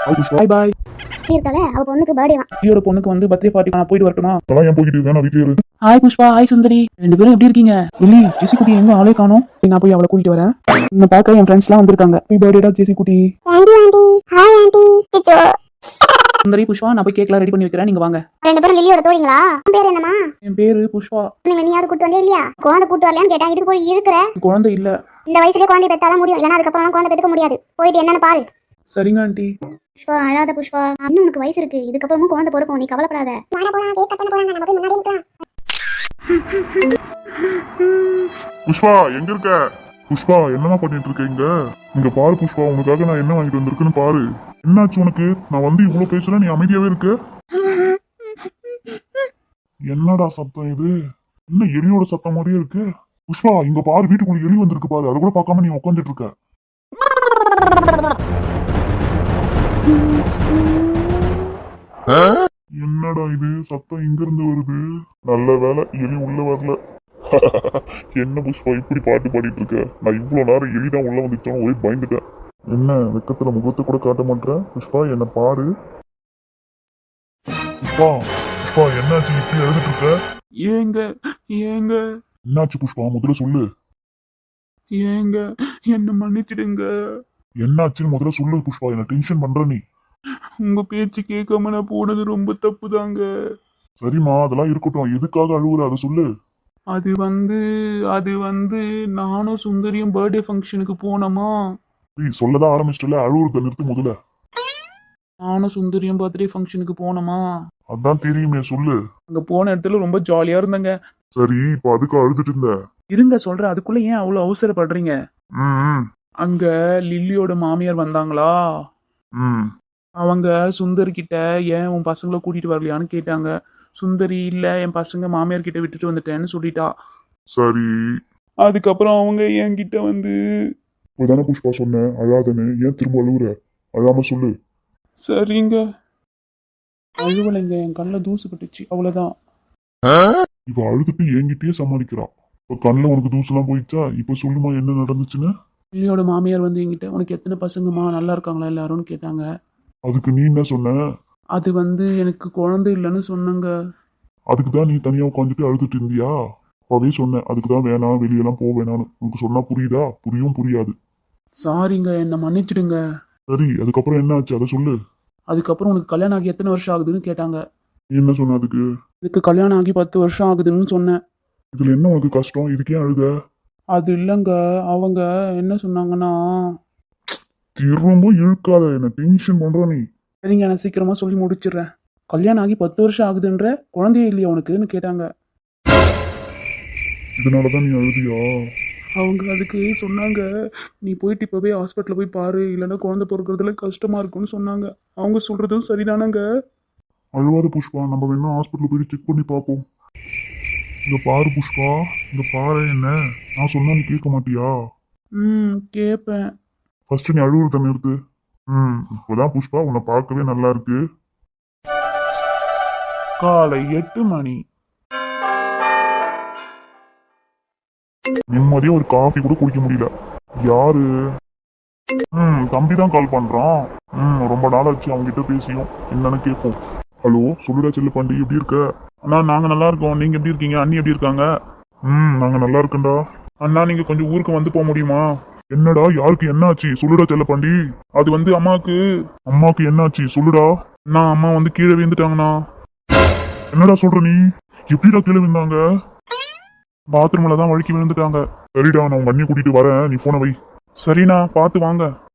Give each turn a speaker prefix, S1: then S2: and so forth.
S1: பாய் பாய்.
S2: இருக்கால அவ பொண்ணுக்கு பர்த்டேவா.
S1: லியோட பொண்ணுக்கு வந்து பர்த்டே பார்ட்டி நான் போயிட்டு வரட்டுமா?
S3: அதெல்லாம் ஏன் போய்கிட்டு வேணா வீட்லயே இரு.
S1: ஹாய் புஷ்பா, ஹாய் சுந்தரி, ரெண்டு பேரும் எப்படி இருக்கீங்க? லில்லி, ஜெசி குட்டி எங்க ஆளே காணோம். நான் போய் அவளை கூட்டிட்டு வரேன். என்ன பார்க்க என் ஃப்ரெண்ட்ஸ்லாம் வந்திருக்காங்க. ஹாப்பி பர்த்டேடா ஜெசி குட்டி.
S2: Aunty aunty hi aunty. சிச்சோ.
S1: சுந்தரி, புஷ்பா, நான் போய் கேக்லாம் ரெடி பண்ணி வைக்கிறேன், நீங்க வாங்க.
S2: ரெண்டு பேரும் லில்லியோட தோழிங்களா? உன் பேர் என்னமா?
S1: என் பேரு புஷ்பா.
S2: நீ யாரு கூட்டு வந்தே இல்லையா? குழந்தை கூட்டு வரலையான்னு கேட்டேன். இதுக்கு போய் இழுக்கிற.
S1: குழந்தை இல்ல.
S2: இந்த வயசுலயே குழந்தை பெத்தாதான் முடியும், இல்லைன்னா அதுக்கப்புறம் குழந்தை பெத்துக்க முடியாது. போயிட்டு என்னன்னு பாரு.
S1: சரிங்க ஆண்டி.
S2: புஷ்பா அழாத புஷ்பா, இன்னும் உனக்கு வயசு இருக்கு, இதுக்கப்புறமும் குழந்தை பிறக்கும், நீ கவலைப்படாத.
S3: புஷ்பா எங்க இருக்க? புஷ்பா என்னமா பண்ணிட்டு இருக்க இங்க? இங்க பாரு புஷ்பா, உனக்காக நான் என்ன வாங்கிட்டு வந்திருக்குன்னு பாரு. என்னாச்சு உனக்கு? நான் வந்து இவ்வளவு பேசுறேன், நீ அமைதியாவே இருக்க. என்னடா சத்தம் இது? என்ன எலியோட சத்தம் மாதிரியே இருக்கு? புஷ்பா இங்க பாரு, வீட்டுக்குள்ள எலி வந்திருக்கு பாரு, அதை கூட பார்க்காம நீ உட்காந்துட்டு இருக்க. என்னடா இது சத்தம் இங்க இருந்து வருது? நல்ல வேலை எலி உள்ள வரல. என்ன புஷ்பா இப்படி பாட்டு பாடிட்டு இருக்க? நான் இவ்வளவு நேரம் எலிதான் உள்ள வந்துட்டோம், ஒரே பயந்துட்டேன். என்ன வெக்கத்துல முகத்தை கூட காட்ட மாட்டேன்? புஷ்பா என்ன பாரு. புஷ்பா புஷ்பா என்னாச்சு இப்படி எழுதிட்டு இருக்க?
S1: ஏங்க ஏங்க
S3: என்னாச்சு புஷ்பா முதல்ல சொல்லு.
S1: ஏங்க என்ன மன்னிச்சிடுங்க.
S3: என்னாச்சுன்னு முதல்ல சொல்லு புஷ்பா, என்ன டென்ஷன் பண்ற நீ.
S1: உங்க பேச்சு கேட்காம நான் போனது ரொம்ப தப்பு தாங்க.
S3: சரிம்மா அதெல்லாம் இருக்கட்டும், எதுக்காக அழுவுற அதை சொல்லு.
S1: அது வந்து நானும் சுந்தரியும் பர்த்டே ஃபங்க்ஷனுக்கு போனோமா.
S3: நீ சொல்லதான் ஆரம்பிச்சிட்டல, அழுவுறத நிறுத்து முதல்ல.
S1: நானும் சுந்தரியும் பர்த்டே ஃபங்க்ஷனுக்கு போனோமா.
S3: அதான் தெரியுமே சொல்லு.
S1: அங்க போன இடத்துல ரொம்ப ஜாலியா இருந்தங்க.
S3: சரி இப்ப அதுக்கு அழுதுட்டு இருந்த?
S1: இருங்க சொல்றேன், அதுக்குள்ள ஏன் அவ்வளவு அவசரப்படுறீங்க?
S3: ம்
S1: அங்க லில்லியோட மாமியார் வந்தாங்களா.
S3: ம்
S1: அவங்க சுந்தரி கிட்ட ஏன் உன் பசங்களை கூட்டிட்டு வரலையான்னு கேட்டாங்க. சுந்தரி இல்ல, என் பசங்க மாமியார் கிட்ட விட்டுட்டு வந்துட்டேன்னு சொல்லிட்டா.
S3: சரி
S1: அதுக்கப்புறம் அவங்க என்கிட்ட வந்து,
S3: இப்பதானே புஷ்பா சொன்னேன் அழாதன்னு, ஏன் திரும்ப அழுவுற? அழாம சொல்லு.
S1: சரிங்க அழுவலைங்க, என் கண்ணில் தூசு பட்டுச்சு, அவ்வளவுதான்.
S3: இப்ப அழுதுட்டு என்கிட்டயே சமாளிக்கிறா. இப்ப கண்ணுல உனக்கு தூசெல்லாம் போயிடுச்சா? இப்ப சொல்லுமா என்ன நடந்துச்சுன்னு.
S1: லில்லியோட மாமியார் வந்து என்கிட்ட, உனக்கு எத்தனை பசங்கம்மா, நல்லா இருக்காங்களா எல்லாரும்னு கேட்டாங்க.
S3: அதுக்கு நீ என்ன சொன்ன?
S1: அது வந்து எனக்கு குழந்தை இல்லைன்னு சொன்னங்க.
S3: அதுக்கு தான் நீ தனியா உட்காந்துட்டு அழுதுட்டு இருந்தியா? அப்பவே சொன்னேன் அதுக்கு தான் வேணாம், வெளியெல்லாம் போக வேணான்னு. உனக்கு சொன்னா புரியுதா? புரியாது.
S1: சாரிங்க, என்னை மன்னிச்சிடுங்க.
S3: சரி அதுக்கப்புறம் என்ன ஆச்சு அதை சொல்லு.
S1: அதுக்கப்புறம் உனக்கு கல்யாணம் ஆகி எத்தனை வருஷம் ஆகுதுன்னு கேட்டாங்க.
S3: நீ என்ன சொன்ன அதுக்கு?
S1: இதுக்கு கல்யாணம் ஆகி 10 வருஷம் ஆகுதுன்னு சொன்னேன்.
S3: இதுல என்ன உனக்கு கஷ்டம்? இதுக்கே அழுத?
S1: அது இல்லைங்க, அவங்க என்ன சொன்னாங்கன்னா,
S3: திரும்ப இழுக்காத, என்ன டென்ஷன் பண்ற நீ.
S1: சரிங்க நான் சீக்கிரமா சொல்லி முடிச்சிடுறேன். கல்யாணம் ஆகி 10 வருஷம் ஆகுதுன்ற, குழந்தையே இல்லையா உனக்குன்னு கேட்டாங்க.
S3: இதனாலதான் நீ அழுதியா?
S1: அவங்க அதுக்கு சொன்னாங்க, நீ போயிட்டு இப்போவே ஹாஸ்பிட்டலில் போய் பாரு, இல்லைன்னா குழந்தை பிறக்கிறதுல கஷ்டமா இருக்கும்னு சொன்னாங்க. அவங்க சொல்றதும் சரிதானங்க.
S3: அழுவாத புஷ்பா, நம்ம வேணா ஹாஸ்பிட்டல் போயிட்டு செக் பண்ணி பார்ப்போம். இங்க பாரு புஷ்பா, இங்க பாரு, என்ன நான் சொன்னா நீ கேட்க மாட்டியா?
S1: கேட்பேன்.
S3: ஃபர்ஸ்ட் நீ அழுவுறத நிறுத்து. இப்போதான் புஷ்பா உன்னை பார்க்கவே நல்லா இருக்கு.
S1: காலை 8 மணி.
S3: நிம்மதியா ஒரு காஃபி கூட குடிக்க முடியல. யாரு? தம்பி தான் கால் பண்றான். ரொம்ப நாள் ஆச்சு அவங்க கிட்ட பேசியும், என்னன்னு கேட்போம். ஹலோ சொல்லுடா செல்ல பாண்டி, எப்படி இருக்க?
S4: அண்ணா நாங்க நல்லா இருக்கோம், நீங்க எப்படி இருக்கீங்க? அண்ணி எப்படி இருக்காங்க?
S3: நாங்க நல்லா இருக்கேன்டா.
S4: அண்ணா நீங்க கொஞ்சம் ஊருக்கு வந்து போக முடியுமா?
S3: என்னடா யாருக்கு என்ன ஆச்சு சொல்லுடா செல்ல பாண்டி.
S4: அது வந்து
S3: அம்மாக்கு என்ன ஆச்சு சொல்லுடா.
S4: அம்மா வந்து கீழே விழுந்துட்டாங்கண்ணா.
S3: என்னடா சொல்ற நீ? எப்படிடா கீழே விழுந்தாங்க?
S4: பாத்ரூம்ல தான் வழுக்கி விழுந்துட்டாங்க.
S3: சரிடா நான் உங்க அண்ணியை கூட்டிட்டு வரேன், நீ போனை வை.
S4: சரிண்ணா பார்த்து வாங்க.